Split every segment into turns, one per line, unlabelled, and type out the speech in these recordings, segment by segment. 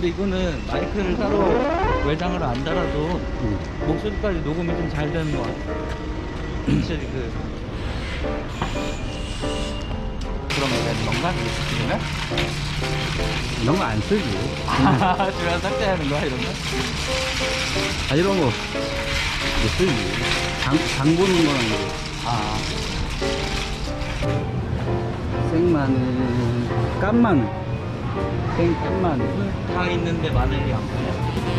근데 이거는 마이크를 따로 외장을 안 달아도 목소리까지 녹음이 좀 잘 되는 것 같아. 확실히 그런 거 되는 건가? 그러면?
이런 거 안 쓰지.
주변 삭제하는 거야 이런 거?
아, 이런 거 못 쓰지. 장 보는 거랑 이거.
아,
생마늘, 깐마늘, 생깐마늘.
다 있는데 마늘이 안 보여.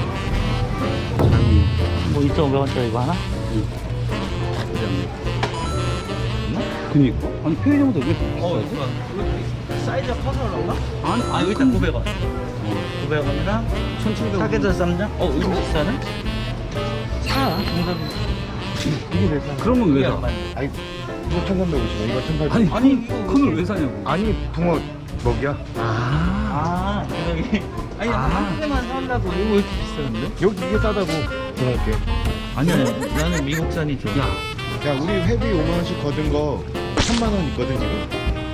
장이.
뭐 2,500원짜리 이거 하나?
그니까. 아니, 편의점도 왜 이렇게
어,
비싸지?
이거 사이즈가 커서 그런가?
아니,
아, 여기 있다 900원. 900원이랑
1,700원.
사계절 쌈장? 이거 비싸네? 사, 정답이.
이게 왜 사?
그런 건 왜 사?
아니 이거 1,350원 이거 1,800원
아니,
아니, 이거
그걸 왜 사냐고.
아니 붕어 먹이야
아.
여기. 아니, 한 개만 사려고 이거 왜 이렇게 비싸는데?
여기 이게 싸다고 붕어게
아니야, 나는 미국산이 좋아.
야 우리 회비 5만원씩 거둔 거 3만원 있거든 지금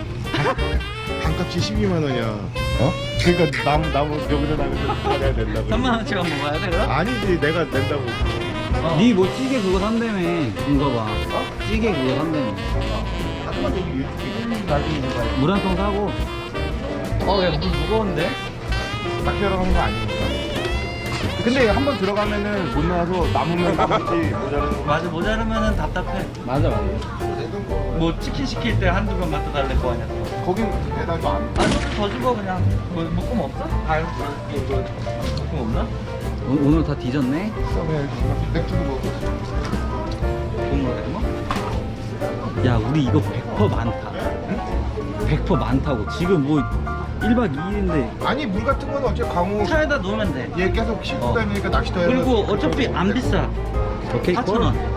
반값이 12만원이야 어? 그러니까 나무 여기서 나가서 받아야 된다고
3만원치만 먹어야 돼, 그럼?
아니지 내가 낸다고
니 뭐 찌개 그거 산다며. 이거 봐. 찌개 그거 산다며.
하지만 여기 유튜브에
나중에 이거 봐야
물 한 통 사고.
야, 물 무거운데?
딱 들어가는 거 아니니까 근데 한 번 들어가면은 못 나와서 남으면 남았지 모자라는 거
맞아, 모자르면은 답답해.
맞아, 맞아.
내던 거
뭐 치킨 시킬 때 한두 번만 더 달랠 거 아니야.
거긴 배달도 안
아, 조금 더 주고 그냥. 뭐, 묶음 없어? 이거 묶음 없나?
오늘 다 뒤졌네?
있어 그냥 맥주도 먹고
국물 해먹?
야, 우리 이거 100% 많다. 100% 많다고. 지금 뭐 1박 2일인데.
아니 물 같은 거는 어차피 강호
차에다 놓으면 돼.
얘 계속 싣고
어.
다니니까 낚시터 해서
그리고 어차피 안 비싸.
오케이,
4,000원.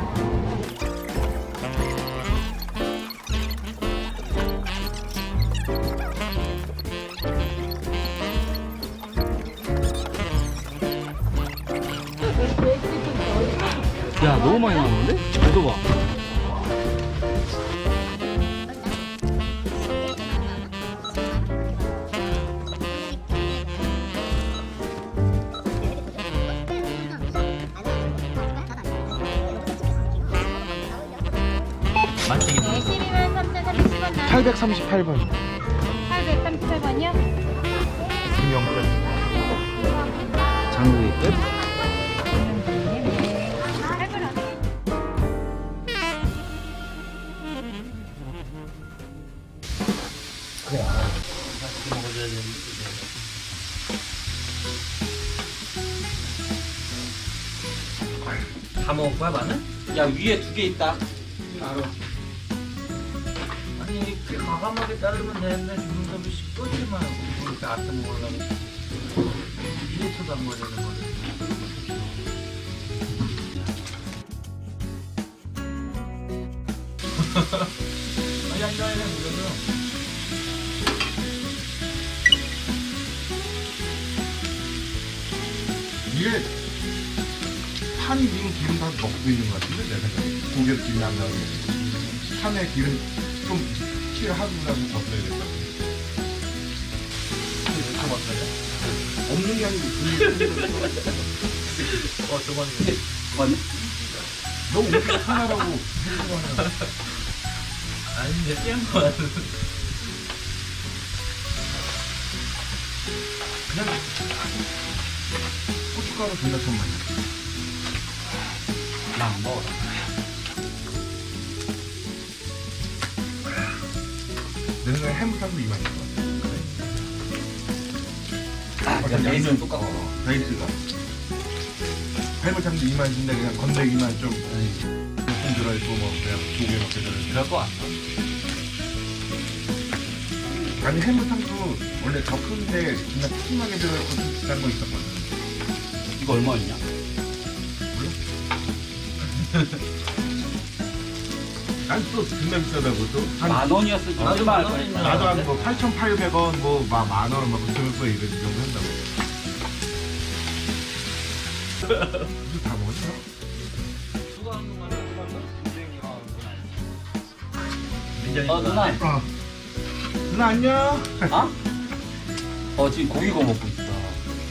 야, 너무 많이 나왔는데? 이거 봐.
맛있긴
네, 12만 3,310원 나
838번
838번이요?
김영근
장국이 끝?
맛있게 먹어줘야 되는데. 다 먹을 거야, 마늘? 야, 위에 2개 있다.
알아
아니, 이렇게 과감하게 자르면 되는데, 주문섭이 씨 끄지만 하고, 이렇게 아껴 먹으려고. 1리터도 안 걸리는 거를. 아니, 앉아야 돼, 무조건.
이게 판이 지금 기름 다 먹고 있는 것 같은데 내 생각에 고기에서 기름이 안 나오게 판에 기름 좀 칠하고 나서 벗어야겠다고
다 먹어요?
없는 게 아니고
저번에.
맞네?
너 우리가 하나라고 해주면
아니, 이제 깬 거야.
그냥 고춧가루 존나 좀 많이
나안 먹어.
내 생각에 해물탕도 이만인 것 같아
그냥 베이스는 똑같고.
베이스가 해물탕도 이만인데 그냥 건더기만 좀 들어있고 뭐 그냥 조개 먹게 들어있고
그럴 거 같아.
아니 해물탕도 원래 더 큰데 그냥 푸짐하게 들어있고 좀 비싼 거 있었거든
이거 얼마였냐?
난 또 존나 비싸다고 또 한,
10,000원이었을 때.
나도
얼마
10,000원 이면
나도 한 뭐 8,800원 뭐 만원 막 그러면서 이런 정도 한다고 이거 다 먹었어?
누가 한 동안 민정이
누나.
누나 안녕
어? 지금 고기 구워 먹고 있어.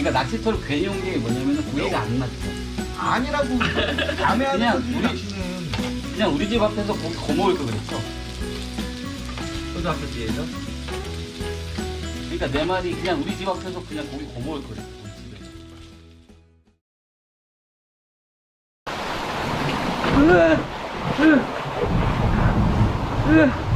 그러니까 낚시터를 괜히 온 게 뭐냐면은 고기가 안 맞죠.
아니라고 밤에 하는
그냥
거지
우리-
낚시는.
그냥 우리 집 앞에서 고기 거먹을 거 그랬죠.
초등학교 뒤에서
그러니까 내 말이 그냥 우리 집 앞에서 그냥 고기 거먹을 거 그랬어. 우리 집에.